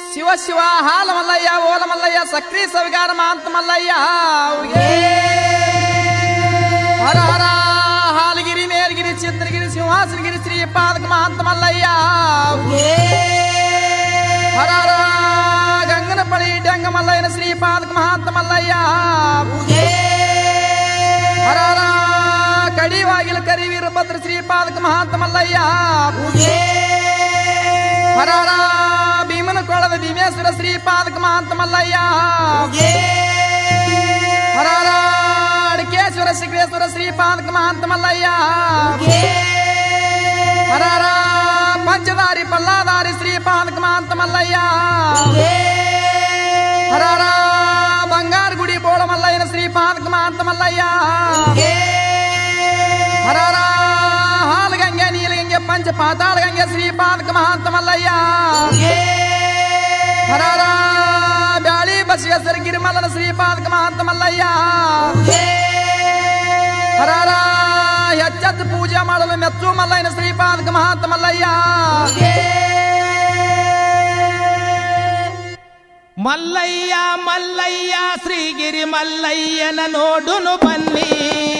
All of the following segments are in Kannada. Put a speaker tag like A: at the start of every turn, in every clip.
A: ಶಿವ ಶಿವ ಹಾಲ ಮಲ್ಲಯ್ಯ ಓಲ ಮಲ್ಲಯ್ಯ ಸಕ್ರಿ ಸವಿಗಾರ ಮಾಂತ ಮಲ್ಲಯ್ಯ ಹರ ಹರ ಹಾಲಗಿರಿ ಮೇಲ್ಗಿರಿ ಚಿತ್ರಗಿರಿ ಸಿಂಹಾಸನಗಿರಿ ಶ್ರೀ ಪಾದಕ ಮಾಂತ ಮಲ್ಲಯ್ಯ ಹರ ಹರ ಗಂಗನಪಳಿ ಡೆಂಗ ಮಲ್ಲಯ್ಯನ ಶ್ರೀ ಪಾದಕ ಮಹಾಂತ ಮಲ್ಲಯ್ಯ ಹರ ಹರ ಕಡಿವಾಗಿಲ ಕರಿವೀರ ಭದ್ರ ಶ್ರೀ ಪಾದಕ ಮಹಾಂತ ಮಲ್ಲಯ್ಯ ಹರ ಹರ ಭೀಮನ ಕೊಳದ ಭೀಮೇಶ್ವರ ಶ್ರೀ ಪಾದಕ ಮಹಾಂತ ಮಲ್ಲಯ್ಯ ಹರ ಹರ ಅಡಕೇಶ್ವರ ಶಿಖರೇಶ್ವರ ಶ್ರೀ ಪಾದಕ ಮಹಾಂತ ಮಲ್ಲಯ್ಯ ಹರ ಹರ ಪಂಚದಾರಿ ಪಲ್ಲಾದಾರಿ ಶ್ರೀ ಪಾದಕ ಮಹಾಂತ ಮಲ್ಲಯ್ಯ ಹರ ಹರ ಬಂಗಾರ ಗುಡಿ ಬೋಳ ಮಲ್ಲಯ್ಯನ ಶ್ರೀ ಪಾದಕ ಮಹಾಂತ ಮಲ್ಲಯ್ಯ ಹರ ಹರ ಹಾಲಗಂಗೆ ನೀಲಗಂಗೆ ಪಂಚ ಪಾತಾಳಗಂಗೆ ಶ್ರೀ ಪಾದಕ ಮಹಾಂತ ಮಲ್ಲಯ್ಯ ಹರ ಹರ ಬ್ಯಾಳಿ ಬಸವೇಶ್ವರ ಗಿರಿಮಲ್ಲನ ಶ್ರೀ ಪಾದಕ ಮಹಾಂತ ಮಲ್ಲಯ್ಯ ಹರ ಹರ ಹೆಚ್ಚೆತ್ತು ಪೂಜೆ ಮಾಡಲು ಮೆಚ್ಚು ಮಲ್ಲಯ್ಯನ ಶ್ರೀ ಪಾದಕ ಮಹಾಂತ ಮಲ್ಲಯ್ಯ
B: ಮಲ್ಲಯ್ಯ ಮಲ್ಲಯ್ಯ ಶ್ರೀಗಿರಿ ಮಲ್ಲಯ್ಯನ ನೋಡುನು ಬನ್ನಿ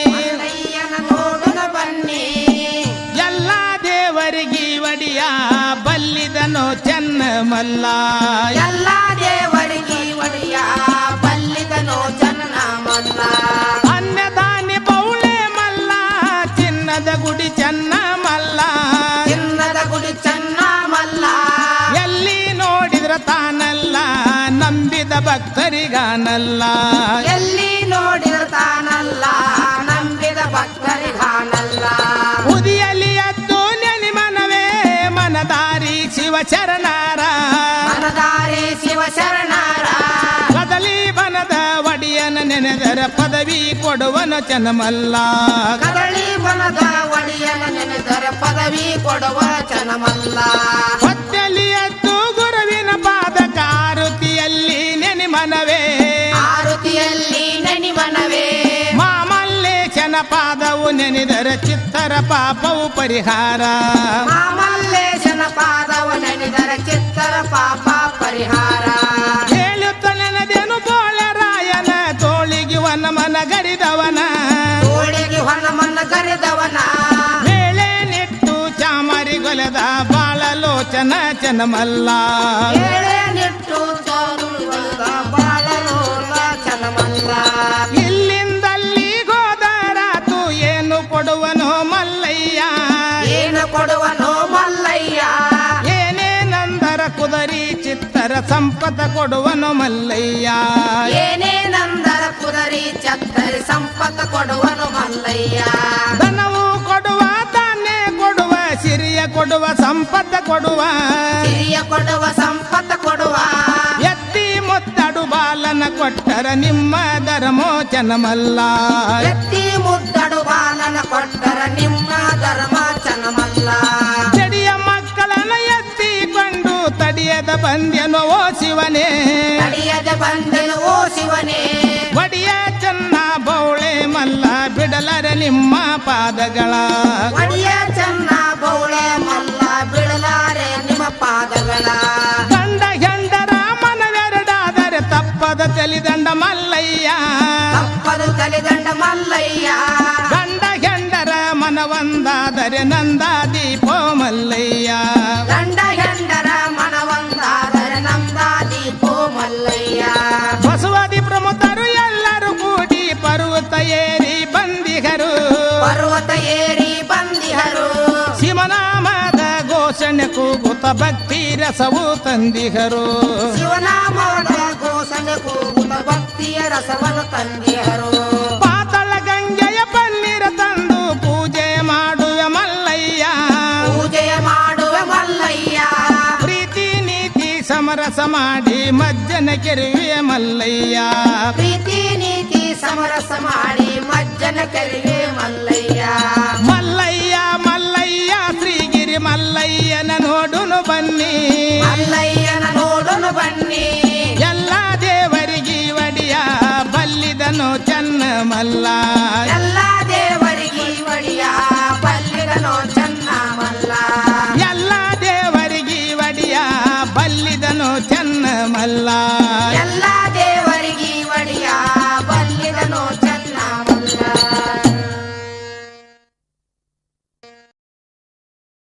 C: ಬನ್ನಿ
B: ಎಲ್ಲ ದೇವರಿಗೆ ಒಡಿಯ ಬಲ್ಲಿದನು ಚೆನ್ನ ಮಲ್ಲ
C: ಎಲ್ಲ ದೇವರಿಗೆ ಒಡೆಯ ಬಲ್ಲಿದನು ಚೆನ್ನ ಮಲ್ಲ
B: ಅನ್ನದಾನಿ ಬೌಳೆ ಮಲ್ಲ ಚಿನ್ನದ ಗುಡಿ ಚೆನ್ನ ಮಲ್ಲ
C: ಚಿನ್ನದ ಗುಡಿ ಚೆನ್ನ ಮಲ್ಲ
B: ಎಲ್ಲಿ ನೋಡಿದ್ರ ತಾನಲ್ಲ ನಂಬಿದ ಭಕ್ತರಿಗಾನಲ್ಲ
C: ಎಲ್ಲಿ ನೋಡಿದ ತಾನಲ್ಲ ನಂಬಿದ ಭಕ್ತರಿಗಾನಲ್ಲ
B: ಉದಿಯಲ್ಲಿ ಎದ್ದು ನೆನಿ ಮನವೇ ಮನದಾರಿ ಶಿವಚರಣಾರ
C: ಮನದಾರಿ ಶಿವ ಶರಣರ
B: ಕದಲಿ ಬನದ ಒಡಿಯನ ನೆನೆದರ ಪದವಿ ಕೊಡುವನ ಚನ್ನಮಲ್ಲ
C: ಕದಳಿ ಬನದ ಒಡೆಯನ ನೆನೆದರ ಪದವಿ ಕೊಡುವ ಚನಮಲ್ಲ
B: ಹೊತ್ತಲಿ ಎದ್ದು ಗುರುವಿನ ಪಾದಕ ಆರುತಿಯಲ್ಲಿ ನೆನಿ ಮನವೇ
C: ಆರುತಿಯಲ್ಲಿ ನೆನಿಮನವೇ
B: ಮಾಮಲ್ಲೇಶನ ಪಾದವು ನೆನೆದರ ಚಿತ್ತರ ಪಾಪವು ಪರಿಹಾರ
C: ಮಾಮಲ್ಲೇಶನ ಪಾದವ ನೆನೆದರ ಚಿತ್ತರ ಪಾಪ ಪರಿಹಾರ
B: ಹೇಳುತ್ತ ನೆನೆದೆನು ಬೋಳರಾಯನ ತೋಳಿಗೆ ವನ ಮನ ಗರಿದವನ
C: ತೋಳಿಗೆ ಹೊನ್ನಮನ್ನ ಗರಿದವನ
B: ಮೇಳೆ ನಿಟ್ಟು ಚಾಮರಿ ಗೊಲೆದ ಬಾಳಲೋಚನ ಚನಮಲ್ಲ
C: ಏಳೆ ನಿಟ್ಟು ತೋರುಳಿದ ಬಾಳಲೋಲ ಚನಮಲ್ಲ
B: ಇಲ್ಲಿಂದಲ್ಲಿ ಗೋದರಾತು ಏನು ಕೊಡುವನೋ ಮಲ್ಲಯ್ಯ
C: ಏನು ಕೊಡುವನೋ ಮಲ್ಲಯ್ಯ
B: ಏನೇನಂದರ ಕುದರಿ ಚಿತ್ತರ ಸಂಪದ ಕೊಡುವನು ಮಲ್ಲಯ್ಯ
C: ಏನೇನಂದರ ಕುದರಿ ಚತ್ತರಿ ಸಂಪತ್ತ ಕೊಡುವನು ಮಲ್ಲಯ್ಯ
B: ಧನವು ಕೊಡುವ ಧಾನ್ಯ ಕೊಡುವ ಸಿರಿಯ ಕೊಡುವ ಸಂಪದ ಕೊಡುವ
C: ಹಿರಿಯ ಕೊಡುವ ಸಂಪತ್ತ ಕೊಡುವ
B: ಎತ್ತಿ ಮುತ್ತಡು ಬಾಲನ ಕೊಟ್ಟರ ನಿಮ್ಮ ಧರ್ಮೋಚನಮಲ್ಲ
C: ಎತ್ತಿ ಮುದ್ದಡು ಬಾಲನ ಕೊಟ್ಟರ ನಿಮ್ಮ ಧರ್ಮ ಚನಮಲ್ಲ
B: ಜಡಿಯ ಮಕ್ಕಳನ್ನ ಎತ್ತಿಕೊಂಡು ತಡಿಯದ ಬಂದ್ಯನೋ ಓ ಶಿವನೇ
C: ತಡಿಯದ ಬಂದನು ಓ ಶಿವನೇ
B: ಒಡಿಯ ಚೆನ್ನ ಬೌಳೆ ಮಲ್ಲ ಬಿಡಲರ ನಿಮ್ಮ ಪಾದಗಳ
C: ಒಡಿಯ ಚೆನ್ನ ಬೌಳೆ ಮಲ್ಲ ಬಿಡಲಾರೆ ನಿಮ್ಮ ಪಾದಗಳ
B: ಗಂಡ ಹೆಂಡರ ಮನವೆರಡಾದರೆ ತಪ್ಪದ ಚಲಿದಂಡ ಮಲ್ಲಯ್ಯ
C: ತಪ್ಪದು ಕಲಿದಂಡ ಮಲ್ಲಯ್ಯ
B: ಗಂಡ ಹೆಂಡರ ಮನವಂದಾದರೆ ನಂದ ದೀಪೋ ಮಲ್ಲಯ್ಯ
C: ಗಂಡ ಹೆಂಡರ ಮನವಂದಾದರೆ ನಮ್ದ ದೀಪೋ ಮಲ್ಲಯ್ಯ
B: ಬಸವಾದಿ ಪ್ರಮುಖರು ಎಲ್ಲರೂ ಕೂಡಿ ಪರ್ವತ ಏರಿ ಬಂದಿಗರು
C: ಪರ್ವತ ಏರಿ ಬಂದಿಹರು
B: ಶಿವನಾಮದ ಘೋಷಣೆ ಕೂಗುತ್ತ ಭಕ್ತಿ ರಸವು ತಂದಿಗರು
C: ಶಿವನಾಮದ ಘೋಷಣೆ ಕೂಗುತ್ತ ಭಕ್ತಿಯ ರಸವನ್ನು ತಂದಿಹರು
B: ಪಾತಳ ಗಂಗೆಯ ಪನ್ನೀರ ತಂದು ಪೂಜೆ ಮಾಡುವ ಮಲ್ಲಯ್ಯ
C: ಪೂಜೆಯ ಮಾಡುವ ಮಲ್ಲಯ್ಯ
B: ಪ್ರೀತಿ ನೀತಿ ಸಮರಸ ಮಾಡಿ ಮಜ್ಜನ ಕೆರುವೆ ಮಲ್ಲಯ್ಯ
C: ಪ್ರೀತಿ ನೀತಿ ಸಮರಸ ಮಾಡಿ ಮಜ್ಜನ ಕರಿವೆ ಮಲ್ಲಯ್ಯ
B: ಮಲ್ಲಯ್ಯ ಮಲ್ಲಯ್ಯ ಶ್ರೀಗಿರಿ ಮಲ್ಲಯ್ಯನ ನೋಡುನು ಬನ್ನಿ
C: ಮಲ್ಲಯ್ಯನ ನೋಡೋನು ಬನ್ನಿ
B: ಎಲ್ಲ ದೇವರಿಗೆ ಒಡಿಯ ಬಲ್ಲಿದನು ಚೆನ್ನ ಮಲ್ಲ
C: ಎಲ್ಲ ದೇವರಿಗೆ ಒಡಿಯ ಬಲ್ಲಿದನೋ ಚೆನ್ನ ಮಲ್ಲ
B: ಎಲ್ಲ ದೇವರಿಗೆ ಒಡಿಯ ಬಲ್ಲಿದನು ಚೆನ್ನ ಮಲ್ಲ